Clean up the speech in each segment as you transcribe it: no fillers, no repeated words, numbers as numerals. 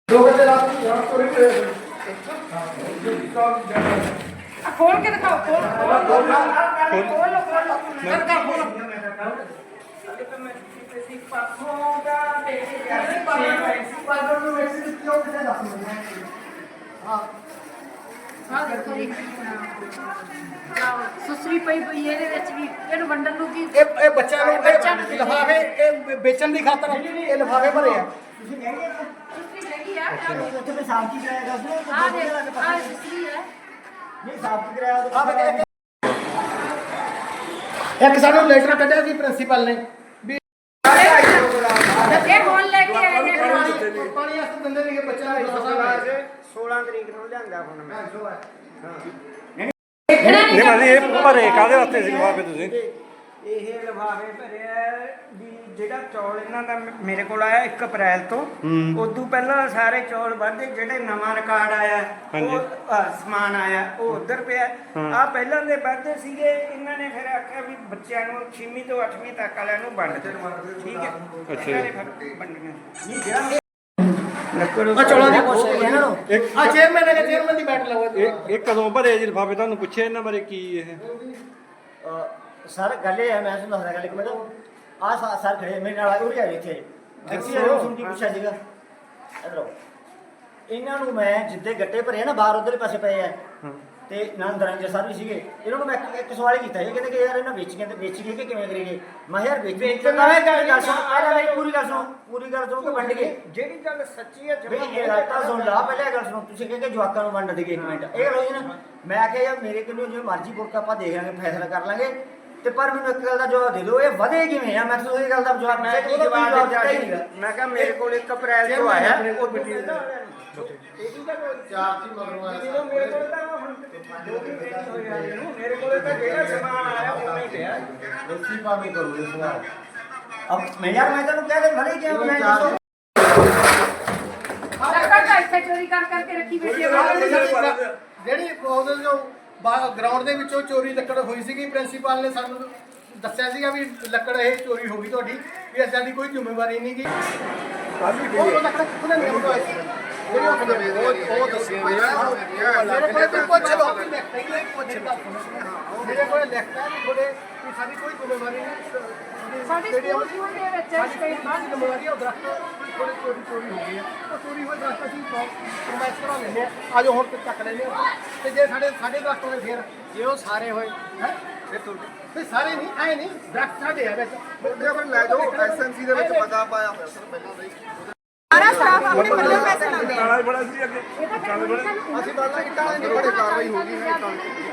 खोल के दिखाओ, खोल खोल खोल खोल सुसरी पई पई ਇਹਦੇ ਵਿੱਚ ਵੀ ਇਹਨੂੰ ਵੰਡਣ ਨੂੰ ਕੀ ਇਹ ਬੱਚਿਆਂ ਨੂੰ ਲਿਫਾਫੇ ਇਹ ਵੇਚਣ ਦੀ ਖਾਤਰ ਇਹ ਲਿਫਾਫੇ ਭਰੇ ਆ ਤੁਸੀਂ ਕਹਿੰਦੇ ਸੁਸਰੀ ਹੈਗੀ ਆ ਉੱਥੇ ਤੇ ਸਾਫ ਕੀ ਕਰਾਇਆ ਦੱਸੋ ਆ ਦੇ ਆ ਸੁਸਰੀ ਹੈ ਨਹੀਂ ਸਾਫ ਕੀ ਕਰਾਇਆ ਇੱਕ ਸਾਨੂੰ ਲੈਟਰ ਕੱਢਿਆ ਸੀ ਪ੍ਰਿੰਸੀਪਲ ਨੇ ਵੀ ਇਹ ਕੌਣ ਲੈ ਕੇ ਆਏ ਨੇ ਪਾਣੀ ਵਾਸਤੇ ਦਿੰਦੇ ਨੇ ਕਿ ਬੱਚਿਆਂ ਨੂੰ 16 ਤਰੀਕ ਨੂੰ ਲਿਆਂਦਾ ਹੁਣ ਮੈਂ ਨਹੀਂ ਭਾਜੀ ਇਹ ਭਰੇ ਕਾਹਦੇ ਵਾਸਤੇ ਸੀ ਲਿਫਾਫੇ ਤੁਸੀਂ ਇਹ ਲਿਫਾਫੇ ਭਰਿਆ ਵੀ ਜਿਹੜਾ ਚੌਲ ਇਹਨਾਂ ਦਾ ਮੇਰੇ ਕੋਲ ਆਇਆ 1 ਅਪ੍ਰੈਲ ਤੋਂ ਉਦੋਂ ਪਹਿਲਾਂ ਸਾਰੇ ਚੌਲ ਵੱਧੇ ਜਿਹੜੇ ਨਵਾਂ ਰਿਕਾਰਡ ਆਇਆ ਉਹ ਸਮਾਨ ਆਇਆ ਉਹ ਉਧਰ ਪਿਆ ਆ ਪਹਿਲਾਂ ਦੇ ਵੱਧੇ ਸੀਗੇ ਇਹਨਾਂ ਨੇ ਫਿਰ ਆਖਿਆ ਵੀ ਬੱਚਿਆਂ ਨੂੰ 6ਵੀਂ ਤੋਂ 8ਵੀਂ ਤੱਕ ਵਾਲਿਆਂ ਨੂੰ ਵੰਡ ਦੇ ਠੀਕ ਹੈ ਇਹਨਾਂ ਨੇ ਫਿਰ ਵੰਡੀਆਂ ਨਹੀਂ ਜਿਹੜਾ ਆ ਚੌਲਾਂ ਦੀ ਪੁੱਛ ਲਈ ਇਹਨਾਂ ਨੂੰ ਆ ਚੇਅਰਮੈਨ ਹੈ ਚੇਅਰਮੈਨ ਦੀ ਬੈਠ ਲਓ ਇਹ ਕਦੋਂ ਭਰੇ ਜੀ ਲਿਫਾਫੇ ਤੁਹਾਨੂੰ ਪੁੱਛਿਆ ਇਹਨਾਂ ਬਾਰੇ ਕੀ ਇਹ ਸਰ ਗੱਲ ਇਹ ਹੈ ਮੈਂ ਤੁਹਾਨੂੰ ਦੱਸਦਾ ਗੱਲ ਇੱਕ ਮਿੰਟ ਆ ਸਰ ਖੜੇ ਮੇਰੇ ਨਾਲ ਉਹ ਆਏ ਇੱਥੇ ਐਕਸੀ ਨੂੰ ਸੁਣ ਕੇ ਪੁੱਛਿਆ ਸੀਗਾ ਇਧਰੋਂ ਇਹਨਾਂ ਨੂੰ ਮੈਂ ਜਿੱਦੇ ਗੱਟੇ ਭਰੇ ਨਾ ਬਾਹਰ ਉਧਰਲੇ ਪਾਸੇ ਪਏ ਆ ਤੇ ਨਾਲ ਦਰੰਜੇ ਸਰ ਵੀ ਸੀਗੇ ਇਹਨਾਂ ਨੂੰ ਮੈਂ ਇੱਕ ਸਵਾਲ ਕੀਤਾ ਇਹ ਕਹਿੰਦੇ ਕਿ ਯਾਰ ਇਹਨਾਂ ਵੇਚ ਕੇ ਕਿ ਕਿਵੇਂ ਕਰੀਏ ਮੈਂ ਯਾਰ ਵੇਚ ਤੇ ਨਵੇਂ ਗੱਲ ਸੁਣ ਆ ਲੈ ਮੇਰੀ ਪੂਰੀ ਗੱਲ ਸੁਣ ਕੇ ਵੰਡ ਕੇ ਜਿਹੜੀ ਗੱਲ ਸੱਚੀ ਹੈ ਵੀ ਇਹ ਗੱਲ ਤਾਂ ਸੁਣ ਲਾ ਪਹਿਲੇ ਗੱਲ ਸੁਣੋ ਤੁਸੀਂ ਕਹਿੰਦੇ ਜਵਾਕਾਂ ਨੂੰ ਵੰਡ ਦੇਗੇ 1 ਮਿੰਟ ਇਹ ਗੱਲ ਹੋਈ ਨਾ ਮੈਂ ਕਿਹਾ ਯਾਰ ਮੇਰੇ ਕੋਲੋਂ ਜਿਵੇਂ ਮਰਜ਼ੀ ਬੁਰਕ ਆਪਾਂ ਦੇਖ ਲਾਂਗੇ ਫੈਸਲਾ ਕਰ ਲਾਂਗੇ ਤੇ ਪਰ ਮੈਨੂੰ ਇੱਕ ਗੱਲ ਦਾ ਜਵਾਬ ਦੇ ਦਿਓ ਇਹ ਵਧੇ ਕਿਵੇਂ ਆ ਮੈਂ ਤੁਹਾਨੂੰ ਇਹ ਗੱਲ ਦਾ ਜਵਾਬ ਮੈਂ ਕੀ ਜਵਾਬ ਦਿੱਤਾ ਹੀ ਮੈਂ ਕਿਹਾ ਮੇਰੇ ਕੋਲ 1 ਅਪ੍ਰੈਲ ਤੋਂ ਆਇਆ ਉਹ ਬਿੱਟੀ ਚਾਰ ਦੀ ਮਗਰੋਂ ਆਇਆ ਮੇਰੇ ਕੋਲ ਤਾਂ ਹੁਣ ਜੋ ਵੀ ਹੋਇਆ ਇਹਨੂੰ ਮੇਰੇ ਕੋਲ ਤਾਂ ਜਿਹੜਾ ਸਮਾਨ ਆਇਆ ਉਹ ਹੀ ਪਿਆ ਦੋਸੀ ਪਾਣੀ ਕਰੂਗੇ ਸਵਾਲ ਅਬ ਮੈਂ ਤੁਹਾਨੂੰ ਕਹਿ ਦੇ ਭਲੇ ਕਿਉਂ ਮੈਂ ਦੱਸੋ ਲੱਕੜ ਦਾ ਇੱਥੇ ਚੋਰੀ ਕਰਕੇ ਰੱਖੀ ਬੈਠੀ ਹੈ ਜਿਹੜੀ ਉਹਦੇ ਜੋ ਗਰਾਊਂਡ ਦੇ ਵਿੱਚੋਂ ਚੋਰੀ ਲੱਕੜ ਹੋਈ ਸੀਗੀ ਪ੍ਰਿੰਸੀਪਲ ਨੇ ਸਾਨੂੰ ਦੱਸਿਆ ਸੀਗਾ ਵੀ ਲੱਕੜ ਇਹ ਚੋਰੀ ਹੋ ਗਈ ਤੁਹਾਡੀ ਵੀ ਅਸਾਂ ਦੀ ਕੋਈ ਜ਼ਿੰਮੇਵਾਰੀ ਨਹੀਂ ਗੀ ਉਹ ਲੱਕੜ ਕਿੱਥੋਂ ਲੈਣੀ ਉਹ ਦੱਸਿਆ ਮੇਰੇ ਕੋਲ ਪੁੱਛ ਲਓ ਮੇਰੇ ਕੋਲ ਲਿਖਤਾ ਵੀ ਤੁਹਾਡੇ ਵੀ ਸਾਡੀ ਕੋਈ ਜ਼ਿੰਮੇਵਾਰੀ ਨਹੀਂ ਸਾਡੇ ਸਕੂਲ ਦੇ ਵਿੱਚ ਸਾਡੀ ਜ਼ਿੰਮੇਵਾਰੀ ਉਹ ਦਰਖਤ ਥੋੜੀ ਚੋਰੀ ਹੋ ਗਈ ਹੈ ਉਹ ਚੋਰੀ ਹੋਏ ਦਰਖਤ ਅਸੀਂ ਪ੍ਰੋਮੈਸ ਕਰਾ ਲੈਂਦੇ ਆ ਆਜੋ ਹੁਣ ਚੱਕ ਲੈਂਦੇ ਆ ਤੇ ਜੇ ਸਾਡੇ ਦਰਖਤ ਹੋਏ ਫਿਰ ਜੇ ਉਹ ਸਾਰੇ ਹੋਏ ਹੈ ਫਿਰ ਸਾਰੇ ਨਹੀਂ ਆਏ ਨਹੀਂ ਦਰਖਤ ਸਾਡੇ ਆ ਵਿੱਚ ਫਿਰ ਲੈ ਜਾਓ ਐਸਐਮਸੀ ਦੇ ਵਿੱਚ ਪਤਾ ਪਾਇਆ ਹੋਇਆ ਸਰ ਪਹਿਲਾਂ ਦਾ ਹੀ ਸਾਰਾ ਸਟਾਫ ਆਪਣੇ ਪੱਲੇ ਪੈਸੇ ਲਾਉਂਦੇ ਆ ਕਾਲਾ ਬੜਾ ਸੀ ਅੱਗੇ ਕਾਲੇ ਬੜੇ ਅਸੀਂ ਬਾਲਾ ਕਿ ਕਾਲੇ ਦੀ ਬੜੀ ਕਾਰਵਾਈ ਹੋ ਗਈ ਹੈ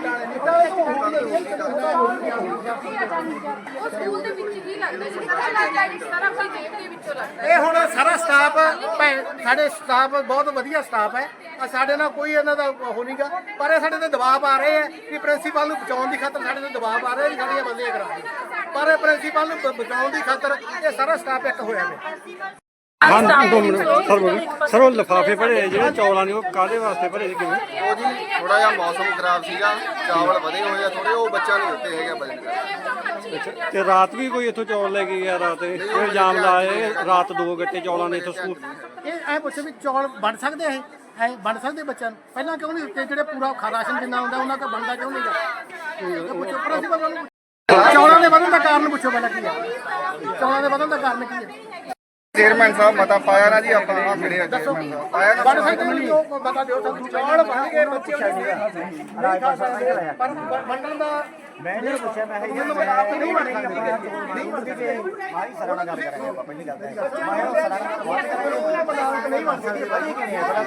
ਉਹ ਸਕੂਲ ਦੇ ਵਿੱਚ ਹੀ ਲੱਗਦਾ ਜੀ ਪਤਾ ਲੱਗਦਾ ਹੈ ਸਾਰਾ ਕੋਈ ਜੇਬ ਦੇ ਵਿੱਚੋਂ ਲੱਗਦਾ ਇਹ ਹੁਣ ਸਾਰਾ ਸਟਾਫ ਸਾਡੇ ਸਟਾਫ ਬਹੁਤ ਵਧੀਆ ਸਟਾਫ ਹੈ ਸਾਡੇ ਨਾਲ ਕੋਈ ਇਹਨਾਂ ਦਾ ਉਹ ਨਹੀਂਗਾ ਪਰ ਇਹ ਸਾਡੇ ਤੇ ਦਬਾਅ ਆ ਰਹੇ ਹੈ ਕਿ ਪ੍ਰਿੰਸੀਪਲ ਨੂੰ ਬਚਾਉਣ ਦੀ ਖਾਤਰ ਸਾਡੇ ਤੇ ਦਬਾਅ ਆ ਰਿਹਾ ਵੀ ਸਾਡੀਆਂ ਬੰਦੀਆਂ ਕਰਾ ਦਿਓ ਪਰ ਪ੍ਰਿੰਸੀਪਲ ਨੂੰ ਬਚਾਉਣ ਦੀ ਖਾਤਰ ਇਹ ਸਾਰਾ ਸਟਾਫ ਇੱਕ ਹੋਇਆ ਹੈ ਹਾਂ 2 ਮਿੰਟ ਸਰ ਬੋਲੀ ਸਰ ਉਹ ਲਿਫਾਫੇ ਭਰੇ ਜਿਹੜੇ ਚੌਲਾਂ ਦੇ ਉਹ ਕਾਹਦੇ ਵਾਸਤੇ ਭਰੇ ਸੀ ਕਿਵੇਂ ਉਹ ਜੀ ਥੋੜਾ ਜਿਹਾ ਮੌਸਮ ਖਰਾਬ ਸੀਗਾ ਚਾਵਲ ਵਧੇ ਹੋਏ ਆ ਥੋੜੇ ਉਹ ਬੱਚਿਆਂ ਨੂੰ ਦਿੱਤੇ ਹੈਗੇ ਵਜਨ ਕਰਕੇ ਅੱਛਾ ਤੇ ਰਾਤ ਵੀ ਕੋਈ ਇੱਥੋਂ ਚੌਲ ਲੈ ਕੇ ਗਿਆ ਰਾਤ ਇਹ ਇਲਜ਼ਾਮ ਲਾਏ ਰਾਤ 2 ਗੱਟੇ ਚੌਲਾਂ ਦੇ ਇੱਥੋਂ ਸਕੂਲ ਇਹ ਐ ਪੁੱਛੋ ਵੀ ਚੌਲ ਬਣ ਸਕਦੇ ਆ ਇਹ ਬਣ ਸਕਦੇ ਬੱਚਿਆਂ ਨੂੰ ਪਹਿਲਾਂ ਕਿਉਂ ਨਹੀਂ ਦਿੱਤੇ ਜਿਹੜੇ ਪੂਰਾ ਰਾਸ਼ਨ ਜਿੰਨਾ ਹੁੰਦਾ ਉਹਨਾਂ ਦਾ ਬਣਦਾ ਕਿਉਂ ਨਹੀਂ ਗਾ ਪੁੱਛੋ ਪ੍ਰਿੰਸੀਪਲ ਨੂੰ ਚੌਲਾਂ ਦੇ ਵਧਣ ਦਾ ਕਾਰਨ ਪੁੱਛੋ ਪਹਿਲਾਂ ਕੀ ਹੈ ਚੌਲਾਂ ਦੇ ਵਧਣ ਦਾ ਕਾਰਨ ਕੀ ਹੈ ਚੇਅਰਮੈਨ ਸਾਹਿਬ ਮਤਾ ਪਾਇਆ ਨਾ ਜੀ ਆਪਾਂ ਆ ਖੜੇ ਆ ਚੇਅਰਮੈਨ ਸਾਹਿਬ ਪਾਇਆ ਨਾ ਬਣ ਸਕਦੇ ਨਹੀਂ ਉਹ ਬਤਾ ਦਿਓ ਸਾਨੂੰ ਚੌਲ ਬਣ ਕੇ ਬੱਚਿਆਂ ਨੂੰ ਪਰ ਮੰਡਲ ਦਾ ਮੈਂ ਨਹੀਂ ਪੁੱਛਿਆ ਮੈਂ ਇਹ ਨਹੀਂ ਬਣ ਸਕਦੇ ਮਾਰੀ ਸਰਾਣਾ ਗੱਲ ਕਰਾਂਗੇ ਆਪਾਂ ਪਹਿਲੀ ਗੱਲ ਤਾਂ ਮੈਂ ਉਹ ਸਰਾਣਾ ਨਹੀਂ ਬਣ ਸਕਦੇ ਵਧੀਆ ਕਿਵੇਂ ਬੜਾ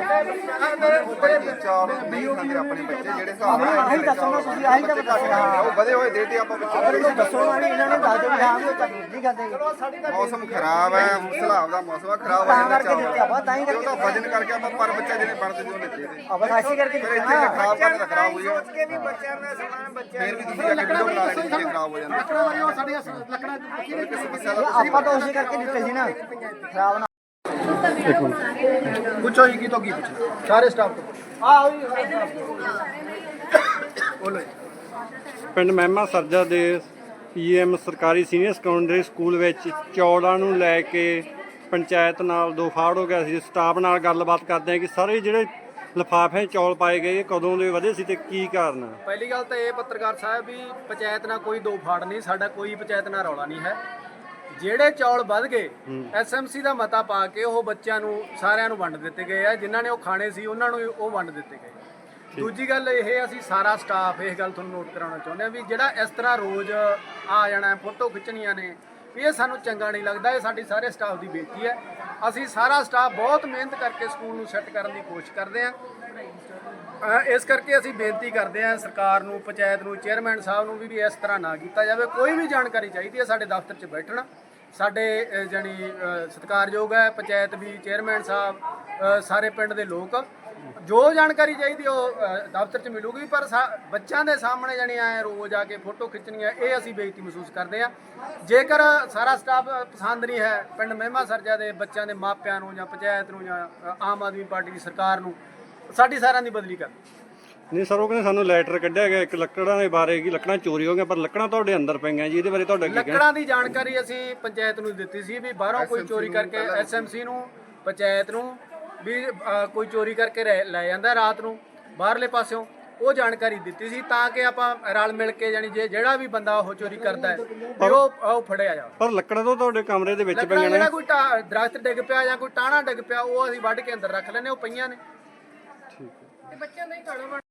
ਚਾਰ ਨਹੀਂ ਖਾਂਦੇ ਆਪਣੇ ਬੱਚੇ ਜਿਹੜੇ ਹਿਸਾਬ ਨਾਲ ਆਹੀ ਦੱਸੋ ਨਾ ਤੁਸੀਂ ਆਹੀ ਤਾਂ ਬਤਾ ਉਹ ਵਧੇ ਹੋਏ ਦੇ ਦੇ ਆਪਾਂ ਦਿਓ ਦੱਸੋ ਨਾ ਇਹਨਾਂ ਨੇ ਦੱਸ ਦਿਓ ਹਾਂ ਉਹ ਤਾਂ ਨਹੀਂ ਕਰਦੇ ਮੌਸਮ ਖਰਾਬ ਹੈ ਸਲਾਬ ਦਾ ਮੌਸਮ ਖਰਾਬ ਹੋ ਜਾਂਦਾ ਚਾਵਲ ਤਾਂ ਹੀ ਕਰਕੇ ਵਜਨ ਕਰਕੇ ਆਪਾਂ ਪਰ ਬੱਚਾ ਜਿਹਨੇ ਬਣਦੇ ਜੋ ਦਿੱਤੇ ਨੇ ਅਬ ਐਸੀ ਕਰਕੇ ਫਿਰ ਇੱਥੇ ਖਰਾਬ ਕਰਕੇ ਖਰਾਬ ਹੋ ਸੋਚ ਕੇ ਵੀ ਬੱਚਿਆਂ ਦਾ ਸਮਾਨ ਬੱਚਿਆਂ ਫਿਰ ਵੀ ਤੁਸੀਂ ਜਾ ਕੇ ਵੀਡੀਓ ਬਣਾ ਲੈਣੀ ਜੇ ਖਰਾਬ ਹੋ ਜਾਂਦਾ ਲੱਕੜਾਂ ਵਾਲੀਆਂ ਸਾਡੀਆਂ ਲੱਕੜਾਂ ਕਿਸੇ ਸਮੱਸਿਆ ਦਾ ਆਪਾਂ ਤਾਂ ਉਸੇ ਕਰਕੇ ਦਿੱਤੇ ਸੀ ਨਾ ਖਰਾਬ ਨਾ ਪੁੱਛੋ ਜੀ ਕੀ ਤੋਂ ਕੀ ਪੁੱਛੋ ਸਾਰੇ ਸਟਾਫ ਤੋਂ ਬੋਲੋ ਪਿੰਡ ਮਹਿਮਾ ਸਰਜਾ ਦੇ ਪੀਐਮ ਸਰਕਾਰੀ ਸੀਨੀਅਰ ਸੈਕੰਡਰੀ ਸਕੂਲ ਵਿੱਚ ਚੌਲਾਂ ਨੂੰ ਲੈ ਕੇ ਪੰਚਾਇਤ ਨਾਲ ਦੋ ਫਾੜ ਹੋ ਗਿਆ ਸੀ, ਸਟਾਫ ਨਾਲ ਗੱਲਬਾਤ ਕਰਦੇ ਆ ਕਿ ਸਾਰੇ ਜਿਹੜੇ ਲਿਫਾਫੇ ਚੌਲ ਪਾਏ ਗਏ ਇਹ ਕਦੋਂ ਦੇ ਵਧੇ ਸੀ ਤੇ ਕੀ ਕਾਰਨ ਆ? ਪਹਿਲੀ ਗੱਲ ਤਾਂ ਇਹ ਪੱਤਰਕਾਰ ਸਾਹਿਬ ਵੀ ਪੰਚਾਇਤ ਨਾਲ ਕੋਈ ਦੋ ਫਾੜ ਨਹੀਂ, ਸਾਡਾ ਕੋਈ ਪੰਚਾਇਤ ਨਾਲ ਰੌਲਾ ਨਹੀਂ ਹੈ। ਜਿਹੜੇ ਚੌਲ ਵੱਧ ਗਏ ਐਸਐਮਸੀ ਦਾ ਮਤਾ ਪਾ ਕੇ ਉਹ ਬੱਚਿਆਂ ਨੂੰ ਸਾਰਿਆਂ ਨੂੰ ਵੰਡ ਦਿੱਤੇ ਗਏ ਆ, ਜਿਨ੍ਹਾਂ ਨੇ ਉਹ ਖਾਣੇ ਸੀ ਉਹਨਾਂ ਨੂੰ ਉਹ ਵੰਡ ਦਿੱਤੇ ਗਏ। ਦੂਜੀ ਗੱਲ ਇਹ, ਅਸੀਂ ਸਾਰਾ ਸਟਾਫ ਇਹ ਗੱਲ ਤੁਹਾਨੂੰ ਨੋਟ ਕਰਾਉਣਾ ਚਾਹੁੰਦੇ ਆ ਵੀ ਜਿਹੜਾ ਇਸ ਤਰ੍ਹਾਂ ਰੋਜ਼ ਆ ਜਾਣਾ ਫੋਟੋ ਖਿੱਚਣੀਆਂ ਨੇ ਵੀ ਇਹ ਸਾਨੂੰ ਚੰਗਾ ਨਹੀਂ ਲੱਗਦਾ। ਇਹ ਸਾਡੀ ਸਾਰੇ ਸਟਾਫ ਦੀ ਬੇਇੱਜ਼ਤੀ ਹੈ। ਅਸੀਂ ਸਾਰਾ ਸਟਾਫ ਬਹੁਤ ਮਿਹਨਤ ਕਰਕੇ ਸਕੂਲ ਨੂੰ ਸੈੱਟ ਕਰਨ ਦੀ ਕੋਸ਼ਿਸ਼ ਕਰਦੇ ਹਾਂ। ਇਸ ਕਰਕੇ ਅਸੀਂ ਬੇਨਤੀ ਕਰਦੇ ਹਾਂ ਸਰਕਾਰ ਨੂੰ, ਪੰਚਾਇਤ ਨੂੰ, ਚੇਅਰਮੈਨ ਸਾਹਿਬ ਨੂੰ ਵੀ ਇਸ ਤਰ੍ਹਾਂ ਨਾ ਕੀਤਾ ਜਾਵੇ। ਕੋਈ ਵੀ ਜਾਣਕਾਰੀ ਚਾਹੀਦੀ ਹੈ ਸਾਡੇ ਦਫ਼ਤਰ 'ਚ ਬੈਠਣਾ, ਸਾਡੇ ਜਾਣੀ ਸਤਿਕਾਰਯੋਗ ਹੈ ਪੰਚਾਇਤ ਵੀ, ਚੇਅਰਮੈਨ ਸਾਹਿਬ, ਸਾਰੇ ਪਿੰਡ ਦੇ ਲੋਕ, ਜੋ ਜਾਣਕਾਰੀ ਚਾਹੀਦੀ ਉਹ ਦਫ਼ਤਰ 'ਚ ਮਿਲੂਗੀ। ਪਰ ਬੱਚਿਆਂ ਦੇ ਸਾਹਮਣੇ ਜਾਣੀ ਐ ਰੋਜ਼ ਆ ਕੇ ਫੋਟੋ ਖਿੱਚਣੀਆਂ, ਇਹ ਅਸੀਂ ਬੇਇੱਜ਼ਤੀ ਮਹਿਸੂਸ ਕਰਦੇ ਹਾਂ। ਜੇਕਰ ਸਾਰਾ ਸਟਾਫ ਪਸੰਦ ਨਹੀਂ ਹੈ ਪਿੰਡ ਮਹਿਮਾ ਸਰਜਾ ਦੇ ਬੱਚਿਆਂ ਦੇ ਮਾਪਿਆਂ ਨੂੰ ਜਾਂ ਪੰਚਾਇਤ ਨੂੰ ਜਾਂ ਆਮ ਆਦਮੀ ਪਾਰਟੀ ਦੀ ਸਰਕਾਰ ਨੂੰ, ਸਾਡੀ ਸਾਰਿਆਂ ਦੀ ਬਦਲੀ ਕਰ। ਨਹੀਂ ਸਰ, ਉਹ ਕਹਿੰਦੇ ਸਾਨੂੰ ਲੈਟਰ ਕੱਢਿਆ ਗਿਆ ਇੱਕ ਲੱਕੜਾਂ ਦੇ ਬਾਰੇ ਕਿ ਲੱਕੜਾਂ ਚੋਰੀ ਹੋ ਗਈਆਂ, ਪਰ ਲੱਕੜਾਂ ਤੁਹਾਡੇ ਅੰਦਰ ਪਈਆਂ ਜੀ, ਇਹਦੇ ਬਾਰੇ ਤੁਹਾਡਾ ਕੀ ਕਹਿਣਾ? ਲੱਕੜਾਂ ਦੀ ਜਾਣਕਾਰੀ ਅਸੀਂ ਪੰਚਾਇਤ ਨੂੰ ਦਿੱਤੀ ਸੀ ਵੀ ਬਾਹਰੋਂ ਕੋਈ ਚੋਰੀ ਕਰਕੇ, ਐਸਐਮਸੀ ਨੂੰ, ਪੰਚਾਇਤ ਨੂੰ ਵੀ ਕੋਈ ਚੋਰੀ ਕਰਕੇ ਲੈ ਜਾਂਦਾ ਰਾਤ ਨੂੰ ਬਾਹਰਲੇ ਪਾਸਿਓਂ, ਉਹ ਜਾਣਕਾਰੀ ਦਿੱਤੀ ਸੀ ਤਾਂ ਕਿ ਆਪਾਂ ਰਲ ਮਿਲ ਕੇ ਜਾਣੀ ਜਿਹੜਾ ਵੀ ਬੰਦਾ ਉਹ ਚੋਰੀ ਕਰਦਾ ਹੈ ਵੀ ਉਹ ਫੜਿਆ ਜਾਵੇ। ਪਰ ਲੱਕੜਾਂ ਤੋਂ ਤੁਹਾਡੇ ਕਮਰੇ ਦੇ ਵਿੱਚ ਪਈਆਂ ਨੇ, ਜਿਹੜਾ ਕੋਈ ਦਰਖਤ ਡਿੱਗ ਪਿਆ ਜਾਂ ਕੋਈ ਟਾਹਣਾ ਡਿੱਗ ਪਿਆ ਉਹ ਅਸੀਂ ਵੱਢ ਕੇ ਅੰਦਰ ਰੱਖ ਲੈਂਦੇ, ਉਹ ਪਈਆਂ ਨੇ। ਤੇ ਬੱਚਿਆਂ ਦਾ ਹੀ ਖਾਣਾ